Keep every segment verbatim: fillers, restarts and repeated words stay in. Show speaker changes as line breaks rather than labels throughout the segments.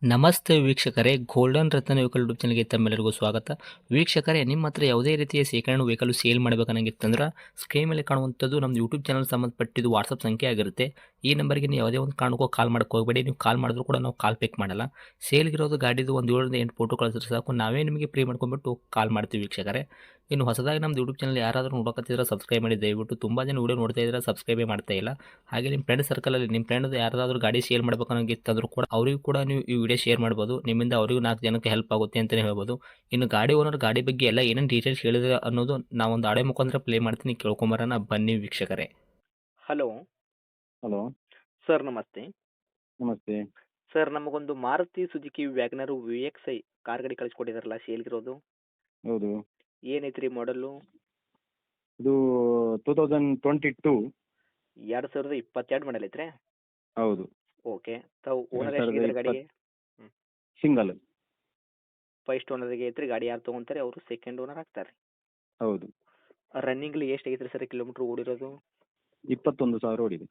ನಮಸ್ತೆ ವೀಕ್ಷಕರೇ, ಗೋಲ್ಡನ್ ರತ್ನ vehicle YouTube ಚಾನಲ್ಗೆ ತಮ್ಮೆಲ್ಲರಿಗೂ ಸ್ವಾಗತ. ವೀಕ್ಷಕರೇ, ನಿಮ್ಮ ಹತ್ರ ಯಾವುದೇ ರೀತಿಯ ಶೇಖರಣೆ ವೆಹಿಕಲ್ ಸೇಲ್ ಮಾಡಬೇಕನ್ನಂಗಿತ್ತಂದ್ರೆ ಸ್ಕ್ರೀನ್ ಮೇಲೆ ಕಾಣುವಂಥದ್ದು ನಮ್ಮ ಯೂಟ್ಯೂಬ್ ಚಾನಲ್ ಸಂಬಂಧಪಟ್ಟಿದ್ದು ವಾಟ್ಸಪ್ ಸಂಖ್ಯೆ ಆಗಿರುತ್ತೆ. ಈ ನಂಬರ್ಗೆ ನೀವು ಯಾವುದೇ ಒಂದು ಕಾರಣಕ್ಕೂ ಕಾಲ್ ಮಾಡಕ್ಕೆ ಹೋಗಬೇಡಿ. ನೀವು ಕಾಲ್ ಮಾಡಿದ್ರು ಕೂಡ ನಾವು ಕಾಲ್ ಪಿಕ್ ಮಾಡಲ್ಲ. ಸೇಲ್ಗಿರೋದು ಗಾಡಿದು ಒಂದು ಏಳರಿಂದ ಎಂಟು ಫೋಟೋ ಕಳಿಸಿದ್ರೆ ಸಾಕು, ನಾವೇ ನಿಮಗೆ ಪ್ರೀ ಮಾಡ್ಕೊಂಡ್ಬಿಟ್ಟು ಕಾಲ್ ಮಾಡ್ತೀವಿ ವೀಕ್ಷಕರೇ. ಇನ್ನು ಹೊಸದಾಗಿ ನಮ್ಮದು ಯೂಟ್ಯೂಬ್ ಚಾನಲ್ ಯಾರಾದರೂ ನೋಡೋಕತ್ತಿದ್ರೆ ಸಬ್ಸ್ಕ್ರೈಬ್ ಮಾಡಿ ದಯವಿಟ್ಟು. ತುಂಬ ಜನ ವೀಡಿಯೋ ನೋಡ್ತಾ ಇದ್ದಾರೆ, ಸಬ್ಸ್ಕ್ರೈಬೇ ಮಾಡ್ತಾ ಇಲ್ಲ. ಹಾಗೆ ನಿಮ್ಮ ಫ್ರೆಂಡ್ ಸರ್ಕಲಲ್ಲಿ ನಿಮ್ಮ ಫ್ರೆಂಡ್ ಯಾರಾದರೂ ಗಾಡಿ ಸೇಲ್ ಮಾಡಬೇಕನ್ನೋಂಗಿತ್ತಂದ್ರೂ ಕೂಡ ಅವರಿಗೂ ಕೂಡ ನೀವು ಈ ವಿಡಿಯೋ ಶೇರ್ ಮಾಡ್ಬೋದು. ನಿಮ್ಮಿಂದ ಅವರಿಗೂ ನಾಲ್ಕು ಜನಕ್ಕೆ ಹೆಲ್ಪ್ ಆಗುತ್ತೆ ಅಂತಲೇ ಹೇಳ್ಬೋದು. ಇನ್ನು ಗಾಡಿ ಓನರ್ ಗಾಡಿ ಬಗ್ಗೆ ಎಲ್ಲ ಏನೇನು ಡೀಟೇಲ್ಸ್ ಹೇಳಿದ್ರೆ ಅನ್ನೋದು ನಾವೊಂದು ಆಡೆ ಮುಖಾಂತರ ಪ್ಲೇ ಮಾಡ್ತೀನಿ, ಕೇಳ್ಕೊಂಬರೋಣ ಬನ್ನಿ ವೀಕ್ಷಕರೇ. ಹಲೋ
ಹಲೋ
ಸರ್, ನಮಸ್ತೆ.
ನಮಸ್ತೆ.
ಸರ್, ನಮಗೊಂದು Maruti Suzuki Wagon R V X I car ಗಾಡಿ ಕಳಿಸ್ಕೊಟ್ಟಿದಾರಲ್ಲ ಸೇಲ್ಗಿರೋದು,
ಹೌದು,
ಏನೈತ್ರಿ ಮಾಡಲು?
ಇದು ಟೂ ತೌಸಂಡ್ ಟ್ವೆಂಟಿ ಟೂ.
ಎರಡು ಸಾವಿರದ ಇಪ್ಪತ್ತೆರಡು ಮಾಡಲ್ ಐತ್ರಿ?
ಹೌದು,
ಓಕೆ. ತಾವು ಓನರ್
ಎರಡು ಸಾವಿರದ
ಎಷ್ಟಿದ್ದಾರೆ ಗಾಡಿಗೆ?
ಇಪ್ಪತ್ತು ಸಿಂಗಲ್.
ಫಸ್ಟ್ ಓನರ್ಗೆ ಐತ್ರಿ ಗಾಡಿ, ಯಾರು ತೊಗೊಂತಾರೆ ಅವರು ಸೆಕೆಂಡ್ ಓನರ್ ಆಗ್ತಾರೆ.
ಹೌದು,
ರನ್ನಿಂಗ್ಲಿ ಎಷ್ಟು ಐತ್ರಿ ಸರ್ ಕಿಲೋಮೀಟ್ರ್ ಓಡಿರೋದು?
ಇಪ್ಪತ್ತೊಂದು ಸಾವಿರ ಓಡಿದೆ.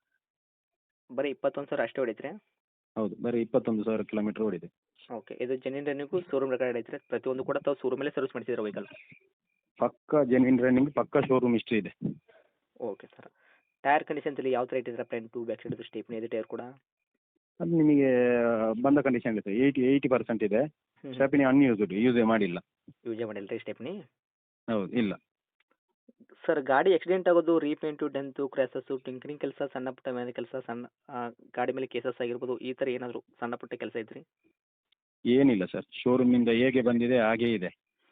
ಬರೀ ಇಪ್ಪತ್ತೊಂದು ಸಾವಿರ ಅಷ್ಟೇ ಹೊಡಿತ್ರಿ?
ಹೌದು, ಬರೀ ಇಪ್ಪತ್ತೊಂದು ಸಾವಿರ ಕಿಲೋಮೀಟರ್ ಓಡಿದೆ.
ಓಕೆ. ಇದು ಜೆನ್ಯೂನ್ ರನ್ನಿಂಗು ಶೋರೂಮ್ ರೆಕಾರ್ಡ್ ಐತ್ರಿ? ಪ್ರತಿಯೊಂದು ಕೂಡ ತಾವು ಶೋರೂಮಲ್ಲೇ ಸರ್ವಿಸ್ ಮಾಡಿಸಿದ್ರೆ ವೆಹಿಕಲ್?
ಪಕ್ಕ ಜೆನ್ವಿನ್ ರನ್ನಿಂಗ್, ಪಕ್ಕ ಶೋರೂಮ್ ಹಿಸ್ಟ್ರಿ ಇದೆ.
Okay sir. ಟೈರ್ ಕಂಡೀಷನ್ಸ್ ಅಲ್ಲಿ ಯಾವ ಥರ ಇಟ್ಟಿದ್ರೆ? ಫ್ರಂಟು ಬ್ಯಾಕ್ ಸೈಡ್ ಸ್ಟೇಪ್ನಿ ಇದೆ ಟೈರ್ ಕೂಡ?
ಅದು ನಿಮಗೆ ಬಂದ ಕಂಡೀಷನ್ ಇದೆ, ಏಯ್ಟಿ ಏಯ್ಟಿ ಪರ್ಸೆಂಟ್ ಇದೆ. ಸ್ಟೆಪ್ನಿ ಅನ್ಯೂಸ್ಡ್, ಯೂಸೇ ಮಾಡಿಲ್ಲ.
ಯೂಸೇ ಮಾಡಿಲ್ಲ ರೀ ಸ್ಟೆಪ್ನಿ?
ಹೌದು, ಇಲ್ಲ.
ಸರ್, ಗಾಡಿ ಆಕ್ಸಿಡೆಂಟ್ ಆಗೋದು, ರೀಪೇಂಟು, ಡೆಂತು, ಕ್ರ್ಯಾಸಸ್ಸು, ಟಿಂಕರಿಂಗ್ ಕೆಲಸ, ಸಣ್ಣ ಪುಟ್ಟ ಮೇಲೆ ಕೆಲಸ, ಸಣ್ಣ ಆ, ಗಾಡಿ ಮೇಲೆ ಕೇಸಸ್ ಆಗಿರ್ಬೋದು, ಈ ಥರ ಏನಾದರೂ ಸಣ್ಣ ಪುಟ್ಟ ಕೆಲಸ ಐತ್ರಿ?
ಏನಿಲ್ಲ ಸರ್, ಶೋರೂಮಿಂದ ಹೇಗೆ ಬಂದಿದೆ ಹಾಗೇ ಇದೆ.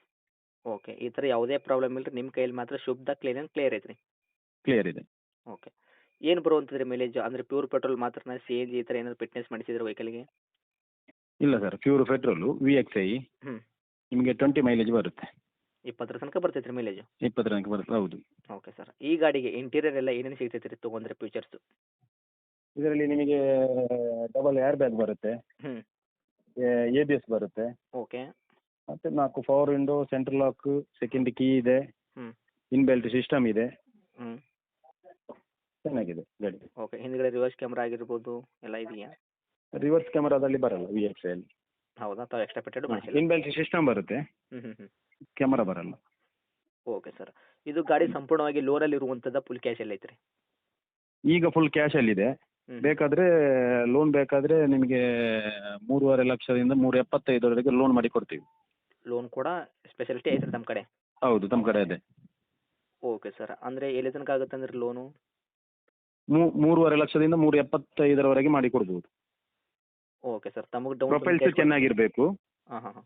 ಓಕೆ. ಈ ಥರ ಯಾವುದೇ ಪ್ರಾಬ್ಲಮ್ ಇಲ್ಲ ರೀ, ನಿಮ್ಮ ಕೈಯಲ್ಲಿ ಮಾತ್ರ ಶುದ್ಧ ಕ್ಲೀನ್ ಆ್ಯಂಡ್ ಕ್ಲಿಯರ್ ಐತ್ರಿ?
ಕ್ಲಿಯರ್ ಇದೆ.
ಓಕೆ. ಏನು ಬರುವಂಥದ್ರಿ ಮೈಲೇಜ್? ಅಂದರೆ ಪ್ಯೂರ್ ಪೆಟ್ರೋಲ್ ಮಾತ್ರನಾ, ಸಿ ಎನ್ ಜಿ ಈ ಥರ ಏನಾದರೂ ಫಿಟ್ನೆಸ್ ಮಾಡಿಸಿದ್ರೆ ವೆಹಿಕಲ್ಗೆ?
ಇಲ್ಲ sir, pure petrol V X I
ಹ್ಞೂ.
ನಿಮಗೆ ಟ್ವೆಂಟಿ ಮೈಲೇಜ್ ಬರುತ್ತೆ.
ಇಪ್ಪತ್ತರ ತನಕ ಬರ್ತೈತೆ ರೀ ಮೈಲೇಜು?
ಇಪ್ಪತ್ತರ ತನಕ ಬರುತ್ತೆ, ಹೌದು.
Okay sir. ಈ ಗಾಡಿಗೆ ಇಂಟೀರಿಯರ್ ಎಲ್ಲ ಏನೇನು ಸಿಗ್ತೈತೆ ರೀ ತೊಗೊಂಡ್ರೆ ಫೀಚರ್ಸು?
ಇದರಲ್ಲಿ ನಿಮಗೆ ಡಬಲ್ ಏರ್ ಬ್ಯಾಗ್ ಬರುತ್ತೆ,
ಹ್ಞೂ.
ಎ ಬಿ ಎಸ್ ಬರುತ್ತೆ,
ಓಕೆ.
ಮತ್ತೆ ನಾಲ್ಕು power window, central lock, second key ಇದೆ,
ಹ್ಞೂ.
ಇನ್ಬೆಲ್ಟ್ ಸಿಸ್ಟಮ್ ಇದೆ,
ಹ್ಞೂ.
ಚೆನ್ನಾಗಿದೆ ಗಾಡಿ.
ಓಕೆ. ಹಿಂದ್ಗಡೆ ರಿವರ್ಸ್ ಕ್ಯಾಮ್ರಾ ಆಗಿರ್ಬೋದು ಎಲ್ಲ ಇದೆಯಾ?
ರಿವರ್ಸ್ ಕ್ಯಾಮರಾದಲ್ಲಿ ಬರಲ್ಲ ವಿ ಎಕ್ಸ್ ಅಲ್ಲಿ.
ಹೌದಾ? ತಾವು ಎಕ್ಸ್ಟ್ರಾ ಪೆಟ್ಟೆಡ್ ಮಾಡಿಸಿಲ್ಲ?
ಇನ್ಬೆಲ್ಟ್ ಸಿಸ್ಟಮ್ ಬರುತ್ತೆ,
ಹ್ಞೂ ಹ್ಞೂ ಹ್ಞೂ.
ಕ್ಯಾಮರಾ ಬರಲ್ಲ.
Okay sir. ಇದು ಗಾಡಿ ಸಂಪೂರ್ಣವಾಗಿ ಲೋನಲ್ಲಿ ಇರುವಂಥದ್ದು, ಫುಲ್ ಕ್ಯಾಶಲ್ಲಿ ಐತ್ರಿ?
ಈಗ ಫುಲ್ ಕ್ಯಾಶಲ್ಲಿದೆ.
ಹ್ಞೂ.
ಬೇಕಾದರೆ ಲೋನ್ ಬೇಕಾದರೆ ನಿಮಗೆ ಮೂರುವರೆ ಲಕ್ಷದಿಂದ ಮೂರು ಎಪ್ಪತ್ತೈದರವರೆಗೆ ಲೋನ್ ಮಾಡಿ ಕೊಡ್ತೀವಿ.
ಲೋನ್ ಕೂಡ ಸ್ಪೆಷಾಲಿಟಿ ಐತ್ರಿ ನಮ್ಮ ಕಡೆ?
ಹೌದು, ನಮ್ಮ ಕಡೆ ಇದೆ.
Okay sir. ಅಂದರೆ ಎಲ್ಲಿ ತನಕ ಆಗುತ್ತೆ ಅಂದ್ರೆ ಲೋನು?
ಮೂ ಮೂರುವರೆ ಲಕ್ಷದಿಂದ ಮೂರು ಎಪ್ಪತ್ತೈದರವರೆಗೆ ಮಾಡಿ ಕೊಡ್ಬೋದು.
Okay sir. ತಮಗೆ ಡೌನ್
ಪ್ರೊಫೈಲ್ಸ್
ಪೇಮೆಂಟ್
ಚೆನ್ನಾಗಿರಬೇಕು.
ಹಾಂ ಹಾಂ ಹಾಂ.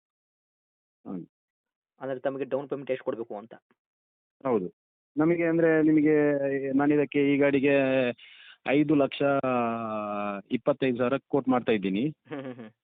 ಹ್ಞೂ.
ಅಂದರೆ ತಮಗೆ ಡೌನ್ ಪೇಮೆಂಟ್ ಎಷ್ಟು ಕೊಡಬೇಕು ಅಂತ?
ಹೌದು, ನಮಗೆ ಅಂದರೆ ನಿಮಗೆ ನಾನು ಇದಕ್ಕೆ ಈ ಗಾಡಿಗೆ ಐದು ಲಕ್ಷ ಇಪ್ಪತ್ತೈದು ಸಾವಿರ ಕೋಟ್ ಮಾಡ್ತಾ ಇದ್ದೀನಿ.
ಹ್ಞೂ ಹ್ಞೂ ಹ್ಞೂ.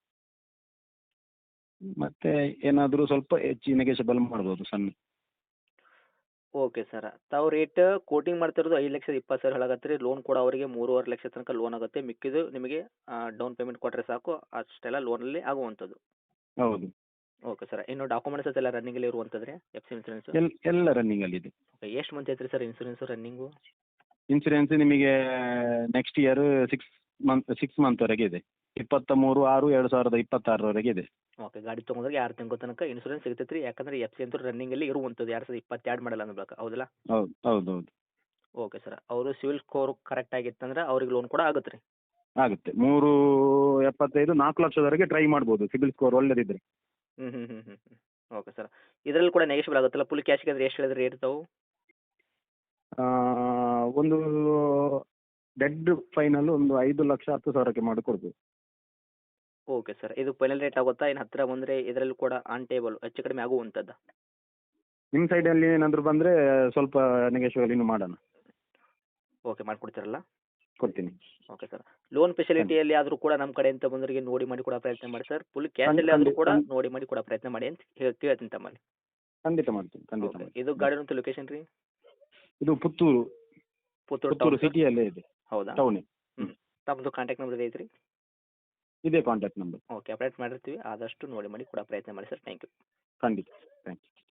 ಮತ್ತೆ ಏನಾದರೂ ಸ್ವಲ್ಪ ಹೆಚ್ಚು ನೆಗೆಷಬಲ್ ಮಾಡ್ಬೋದು ಸಣ್ಣ.
Okay sir. ತಾವು ರೇಟ್ ಕೋಟಿಂಗ್ ಮಾಡ್ತಿರೋದು ಐದು ಲಕ್ಷದ ಇಪ್ಪತ್ತು ಸಾವಿರ ಹೇಳಾಗತ್ತೆ ರೀ. ಲೋನ್ ಕೂಡ ಅವರಿಗೆ ಮೂರುವರೆ ಲಕ್ಷ ತನಕ ಲೋನ್ ಆಗುತ್ತೆ. ಮಿಕ್ಕಿದ್ದು ನಿಮಗೆ ಡೌನ್ ಪೇಮೆಂಟ್ ಕೊಟ್ಟರೆ ಸಾಕು, ಅಷ್ಟೆಲ್ಲ ಲೋನಲ್ಲಿ ಆಗುವಂಥದ್ದು.
ಹೌದು,
ಓಕೆ ಸರ್. ಇನ್ನು ಡಾಕ್ಯುಮೆಂಟ್ಸ್ ಎಲ್ಲ ರನ್ನಿಂಗಲ್ಲಿ ಇರುವಂಥದ್ದು ರೀ? F C insurance?
ಎಲ್ ಎಲ್ಲ ರನ್ನಿಂಗಲ್ಲಿದೆ.
ಓಕೆ. ಎಷ್ಟು ಮಂತ್ ಐತ್ರಿ ಸರ್ ಇನ್ಸೂರೆನ್ಸು ರನ್ನಿಂಗು?
ಇನ್ಸೂರೆನ್ಸ್ ನಿಮಗೆ next year six month six ಮಂತ್ವರೆಗೆ ಇದೆ. ಇಪ್ಪತ್ತ ಮೂರು ಆರು ಎರಡು ಸಾವಿರದ ಇಪ್ಪತ್ತಾರರವರೆಗೆ ಇದೆ.
ಓಕೆ. ಗಾಡಿ ತೊಗೊಂಡ್ರೆ ಆರು ತಿಂಗಳ ತನಕ ಇನ್ಸೂರೆನ್ಸ್ ಸಿಗ್ತೈತೆ ರೀ. ಯಾಕಂದರೆ ಎಫ್ ಸಿ ಅಂತೂ ರನ್ನಿಂಗಲ್ಲಿ ಇರುವಂಥದ್ದು, ಎರಡು ಸಾವಿರದ ಇಪ್ಪತ್ತೆರಡು ಮಾಡಲ್ಲ ಅನ್ನಬೇಕು, ಹೌದಲ್ಲ?
ಹೌದು ಹೌದು ಹೌದು,
ಓಕೆ ಸರ್. ಅವರು ಸಿವಿಲ್ ಸ್ಕೋರ್ ಕರೆಕ್ಟ್ ಆಗಿತ್ತಂದ್ರೆ ಅವ್ರಿಗೆ ಲೋನ್ ಕೂಡ ಆಗುತ್ತೆ ರೀ?
ಆಗುತ್ತೆ. ಮೂರು ಎಪ್ಪತ್ತೈದು ನಾಲ್ಕು ಲಕ್ಷದವರೆಗೆ ಟ್ರೈ ಮಾಡ್ಬೋದು, ಸಿಬಿಲ್ ಸ್ಕೋರ್ ಒಳ್ಳೆದಿದ್ರೆ.
ಹ್ಞೂ ಹ್ಞೂ ಹ್ಞೂ ಹ್ಞೂ ಹ್ಞೂ. Okay sir. ಇದರಲ್ಲಿ ಕೂಡ ನೆಗೆಶ್ಬಲ್ ಆಗುತ್ತಲ್ಲ? ಫುಲ್ ಕ್ಯಾಶ್ಗೆ ಅಂದರೆ ಎಷ್ಟು ಹೇಳಿದ್ರೆ ರೇಟ್ ತಾವು?
ಆ, ಒಂದು ಡೆಡ್ ಫೈನಲ್ ಒಂದು ಐದು ಲಕ್ಷ ಹತ್ತು ಸಾವಿರಕ್ಕೆ ಮಾಡಿ ಕೊಡ್ಬೋದು.
Okay sir. ಇದು ಫೈನಲ್ ರೇಟ್ ಆಗುತ್ತಾ? ಇನ್ನು ಹತ್ತಿರ ಬಂದರೆ ಇದರಲ್ಲಿ ಕೂಡ ಆನ್ ಟೇಬಲ್ ಹೆಚ್ಚು ಕಡಿಮೆ ಆಗುವಂಥದ್ದು?
ನಿಮ್ಮ ಸೈಡಲ್ಲಿ ಏನಾದರೂ ಬಂದರೆ ಸ್ವಲ್ಪ ನೆಗೆಷಿಯಬಲ್ ಇನ್ನೂ ಮಾಡೋಣ.
ಓಕೆ. ಮಾಡಿಕೊಡ್ತೀರಲ್ಲ?
ಕೊಡ್ತೀನಿ.
Okay sir. ಲೋನ್ ಫೆಸಿಲಿಟಿಯಲ್ಲಿ ಆದರೂ ಕೂಡ ನಮ್ಮ ಕಡೆಯಿಂದ ಬಂದವರಿಗೆ ನೋಡಿ ಮಾಡಿ ಕೊಡೋ ಪ್ರಯತ್ನ ಮಾಡಿ ಸರ್. ಫುಲ್ ಕ್ಯಾಶಲ್ಲಿ ಆದರೂ ಕೂಡ
ಖಂಡಿತ
ನೋಡಿ ಮಾಡಿ ಕೊಡೋ ಪ್ರಯತ್ನ ಮಾಡಿ ಅಂತ ಹೇಳಿ ಕೇಳ್ತೀನಿ ತಮ್ಮಲ್ಲಿ.
ಖಂಡಿತ ಮಾಡ್ತೀನಿ, ಖಂಡಿತ
ಓಕೆ.
ಮಾಡ್ತೀನಿ.
ಇದು ಗಾಡಿ ಲೊಕೇಶನ್ ರೀ?
ಇದು ಪುತ್ತೂರು,
ಪುತ್ತೂರು
ಪುತ್ತೂರು
ಟೌನ್?
ಸಿಟಿಯಲ್ಲೇ ಇದೆ,
ಹೌದಾ?
ಟೌನೇ.
ಹ್ಞೂ. ತಮ್ಮದು ಕಾಂಟ್ಯಾಕ್ಟ್ ನಂಬರ್ ಐತ್ರಿ?
ಇದೇ ಕಾಂಟ್ಯಾಕ್ಟ್ ನಂಬರ್.
ಓಕೆ. ಅಪ್ಡೇಟ್ ಮಾಡಿರ್ತೀವಿ, ಆದಷ್ಟು ನೋಡಿ ಮಾಡಿ ಕೊಡೋ ಪ್ರಯತ್ನ ಮಾಡಿ ಸರ್. Thank you.
ಖಂಡಿತ, ಥ್ಯಾಂಕ್ ಯು.